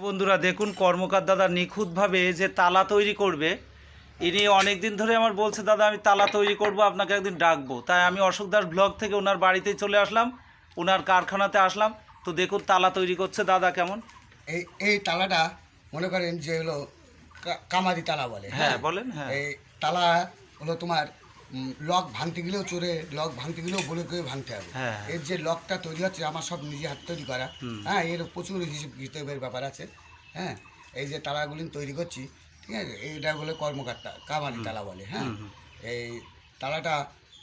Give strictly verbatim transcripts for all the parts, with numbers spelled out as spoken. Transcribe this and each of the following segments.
বন্ধুরা দেখুন কর্মকার দাদা নিখুঁতভাবে যে তালা তৈরি করবে, ইনি অনেক দিন ধরে আমার বলছে দাদা আমি তালা তৈরি করব, আপনাকে একদিন ডাকবো। তাই আমি অশোক দাস ব্লগ থেকে ওনার বাড়িতেই চলে আসলাম, ওনার কারখানাতে আসলাম। তো দেখুন তালা তৈরি করছে দাদা কেমন। এই এই তালাটা মনে করেন যে হলো কা- কামারি তালা বলে। হ্যাঁ বলেন। হ্যাঁ এই তালা হলো তোমার উম, লক ভাঙতে গেলেও চোরে লক ভাঙতে গেলেও বলে করে ভাঙতে হবে। হ্যাঁ। এর যে লকটা তৈরি হচ্ছে আমার সব নিজে হাত তৈরি করা। হ্যাঁ, এর প্রচুর হিসেব কিতাবের ব্যাপার আছে। হ্যাঁ, এই যে তালাগুলি তৈরি করছি, ঠিক আছে, এইটা বলে কর্মকর্তা কামারি তালা বলে। হ্যাঁ, এই তালাটা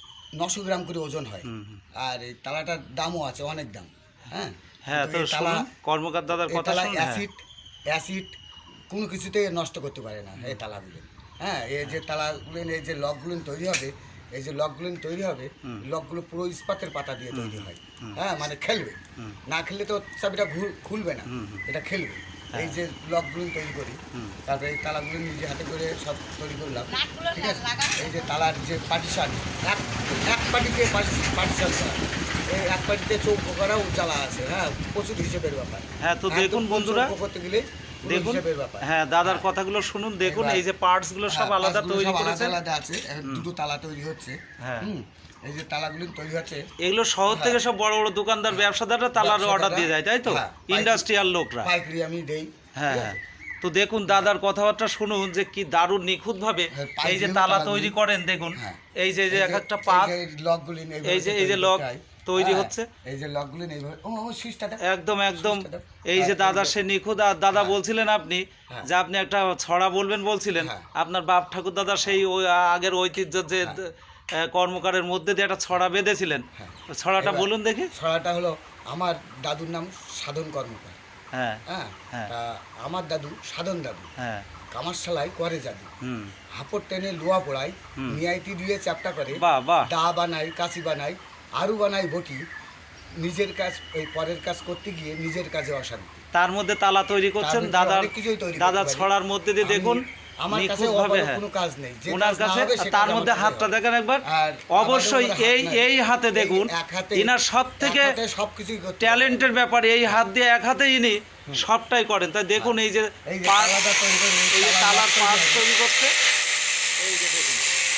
নশো গ্রাম করে ওজন হয়, আর এই তালাটার দামও আছে, অনেক দাম। হ্যাঁ হ্যাঁ তো তো এই তালা শুনুন কর্মকার দাদার এই কথা তালা শুনুন। হ্যাঁ। অ্যাসিড অ্যাসিড কোনো কিছুতে নষ্ট করতে পারে না এই তালাগুলো। হ্যাঁ, এই যে তালাগুলো, এই যে লকগুলো তৈরি হবে, এই যে লকগুলো তৈরি হবে, লকগুলো পুরো ইস্পাতের পাতা দিয়ে তৈরি হয়। হ্যাঁ, মানে খেলবে না, খেললে তো চাবিটা ঘুর- খুলবে না, এটা খেলবে। এই যে লকগুলো তৈরি করি, তারপরে এই তালাগুলো নিজে হাতে করে সব তৈরি করলাম, ঠিক আছে। এই যে তালার যে পার্টিশন, এক এক পার্টিতে পার্টিশন করা, এই এক পার্টিতে চৌকো করাও চালা আছে। হ্যাঁ, প্রচুর হিসেবের ব্যাপার। হ্যাঁ তো দেখুন বন্ধুরা, করতে গেলে দেখুন হিসেবের ব্যাপার। হ্যাঁ দাদার কথাগুলো শুনুন। দেখুন এই যে পার্টস গুলো সব আলাদা তৈরি করেছে, আলাদা আছে, দুটো তালা তৈরি হচ্ছে। হ্যাঁ, হুম, এই যে তালাগুলো তৈরি হচ্ছে, এগুলো শহর থেকে সব বড় বড় দোকানদার ব্যবসাদাররা তালার অর্ডার দিয়ে যায়, তাই তো? হ্যাঁ, ইন্ডাস্ট্রিয়াল লোকরা। পাইকারি আমি দেই। হ্যাঁ হ্যাঁ। তো দেখুন দাদার কথাবার্তা শুনুন যে কি দারুণ নিখুঁতভাবে এই যে তালা তৈরি করেন। দেখুন এই যে যে এক একটা পাত, লকগুলি এই যে এই যে লক তৈরি হচ্ছে, এই যে লকগুলি এইভাবে, ও ও সুইচটা দাও। একদম একদম এই যে দাদা সে নিখুঁত। আর দাদা বলছিলেন আপনি যে আপনি একটা ছড়া বলবেন বলছিলেন, আপনার বাপ ঠাকুর দাদা সেই ওই আগের ঐতিহ্য যে আহ, কর্মকারের মধ্যে দিয়ে একটা ছড়া বেঁধেছিলেন, ছড়াটা বলুন দেখি। ছড়াটা হলো, আমার দাদুর নাম সাধন কর্মকার। হ্যাঁ হ্যাঁ, হ্যাঁ। তা আমার দাদু সাধন দাদু হ্যাঁ কামারশালাই করে জাদু, হুম হাপড় টেনে লোয়া পোড়াই, মিয়াইটি দিয়ে চ্যাপটা করে, বাহ বাহ। দা বানাই, কাশি বানাই, আরু বানাই বটি, নিজের কাজ ওই পরের কাজ করতে গিয়ে নিজের কাজে অশান্তি। তার মধ্যে তালা তৈরি করছেন তার দাদার, অনেক কিছুই তৈরি করতে দাদার পারি। ছড়ার মধ্যে দিয়ে আমি- দেখুন আমার কাছে নিখুঁতভাবে। অপারক হ্যাঁ কোনো কাজ নেই, যে ওনার কাজ না কাছে হবে সে তার কাজ মধ্যে আমার হাতটা করতে দেখেন একবার, আর অবশ্যই আমাদের এই হাত নাই। এই হাতে দেখুন, এই এক হাতে ইনার সব থেকে এক হাতে সবকিছুই করতে ট্যালেন্টের ব্যাপার। এই হাত দিয়ে এক হাতে ইনি সবটাই করেন। তাই দেখুন এই যে এই যে পাত- তালাটা তৈরি করে, এই এই যে তালার তালার তৈরি পাত হবে। তৈরি করছে, এই যে দেখুন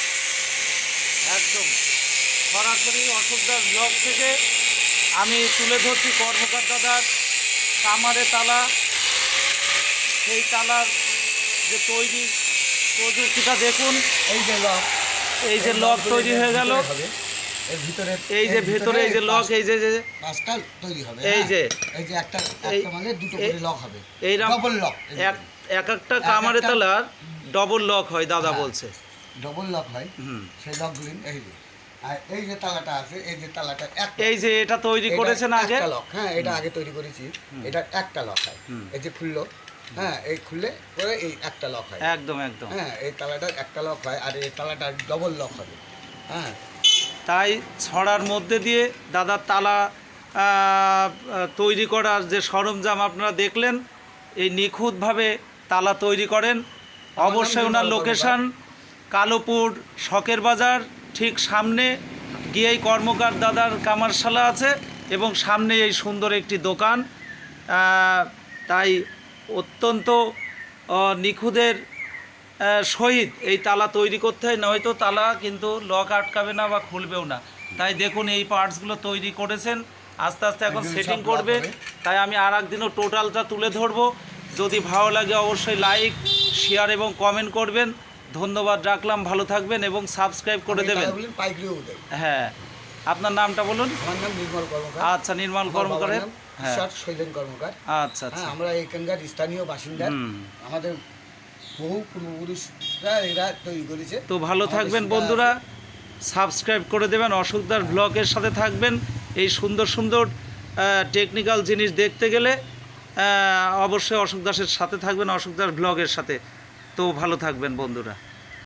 একদম সরাসরি অশোকদার ব্লগ থেকে আমি তুলে ধরছি কর্মকার দাদার কামারে তালা, সেই তালার যে তৈরি প্রযুক্তিটা দেখুন। এই যে লক, এই যে লক তৈরি হয়ে গেল, হবে এর ভিতরে, এই যে এর ভেতরে এই যে লক, এই যে যে- পাঁচটা তৈরি হবে। এই হ্যাঁ, যে এই যে একটা এই- একটা মানে দুটো এই- করে লক হবে, এইরকম ডবল লক। এক এক একটা কামারে তালার ডবল লক হয় দাদা বলছে। ডবল লক হয়, হুম। সেই লকগুলি এই যে, আর এই যে তালাটা আছে, এই যে তালাটা এক এই যে এটা তৈরি করেছেন আগে, লক। হ্যাঁ, এটা আগে তৈরি করেছি, এটা একটা লক হয়। এই যে খুললো, হ্যাঁ, এই খুললে পরে এই একটা লক হয়। একদম একদম। হ্যাঁ, এই তালাটা একটা লক হয়, আর এই তালাটা ডবল লক হবে। হ্যাঁ, তাই ছড়ার মধ্যে দিয়ে দাদার তালা আহ, আহ, তৈরি করার যে সরঞ্জাম আপনারা দেখলেন, এই নিখুঁতভাবে তালা তৈরি করেন। অবশ্যই ওনার লোকেশন কালোপুর শখের বাজার, ঠিক সামনে গিয়েই কর্মকার দাদার কামারশালা আছে এবং সামনে এই সুন্দর একটি দোকান। আহ, তাই অত্যন্ত আহ, নিখুঁতের আহ, সহিত এই তালা তৈরি করতে হয়, নয়তো তালা কিন্তু লক আটকাবে না বা খুলবেও না। তাই দেখুন এই পার্টসগুলো তৈরি করেছেন, আস্তে আস্তে এখন এগুলো সেটিং সব করবে। লক হবে। তাই আমি আর একদিনও টোটালটা তুলে ধরবো। যদি ভালো লাগে অবশ্যই লাইক শেয়ার এবং কমেন্ট করবেন। ধন্যবাদ রাখলাম, ভালো থাকবেন এবং সাবস্ক্রাইব করে আমি দেবেন। তালাগুলি পাইকারিও দেই। হ্যাঁ, আপনার নামটা বলুন। আমার নাম নির্মল কর্মকার। আচ্ছা, নির্মল আমার কর্মকারের। বাবার নাম হ্যাঁ ঈশ্বর শৈলেন কর্মকার। আচ্ছা আচ্ছা। হ্যাঁ, আমরা এখানকার স্থানীয় বাসিন্দা। হুম। আমাদের বহু পূর্বপুরুষরা এরা তৈরি করেছে। তো ভালো আমাদের থাকবেন সেটা- বন্ধুরা, সাবস্ক্রাইব করে দেবেন, অশোকদার ব্লগের সাথে থাকবেন। এই সুন্দর সুন্দর টেকনিক্যাল জিনিস দেখতে গেলে আহ, অবশ্যই অশোক দাসের সাথে থাকবেন, অশোক দাস ব্লগের সাথে। তো ভালো থাকবেন বন্ধুরা।